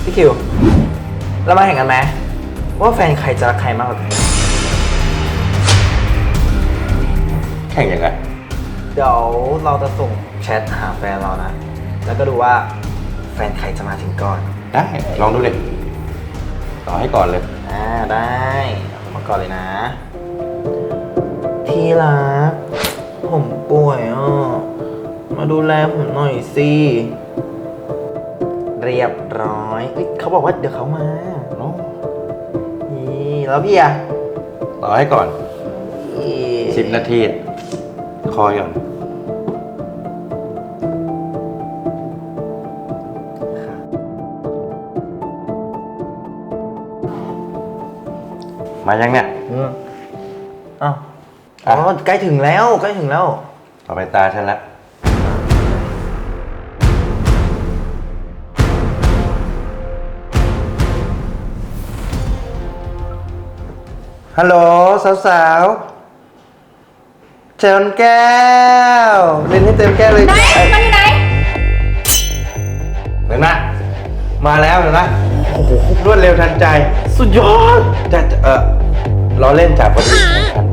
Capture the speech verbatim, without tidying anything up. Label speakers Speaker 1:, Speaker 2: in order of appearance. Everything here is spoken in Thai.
Speaker 1: พี่คิวเรามาแข่งกันไหมว่าแฟนใครจะรักใครมากกว่ากัน
Speaker 2: แข่งยังไง
Speaker 1: เดี๋ยวเราจะส่งแชทหาแฟนเรานะ แล้วก็ดูว่าแฟนใครจะมาถึงก่อน
Speaker 2: ได้ ลองดูเลยต่อให้ก่อนเลย
Speaker 1: อ่าได้เอามาก่อนเลยนะ ที่รักผมป่วยอ่ะมาดูแลผมหน่อยสิ เรียบร้อยเอ้ยเขาบอกว่าเดี๋ยวเขามานี่แล้วพี่อะ
Speaker 2: ต่อให้ก่อน
Speaker 1: อี
Speaker 2: สิบนาที คอยก่อน มายังเนี่ย
Speaker 1: อืมอ้าวอ๋อใกล้ถึงแล้วใกล้ถึงแล้ว
Speaker 2: ต่อไปตาฉันละฮัลโหลสาวๆเชิญแก้วเล่นให้เต็มแก้วเลย
Speaker 3: ไหนมันอยู่ไหน
Speaker 2: เห็นไหมมาแล้วเห็นไหมโอ้โหรวดเร็วทันใจ สุดยอดจะจะเออล้อเล่นจากพอดี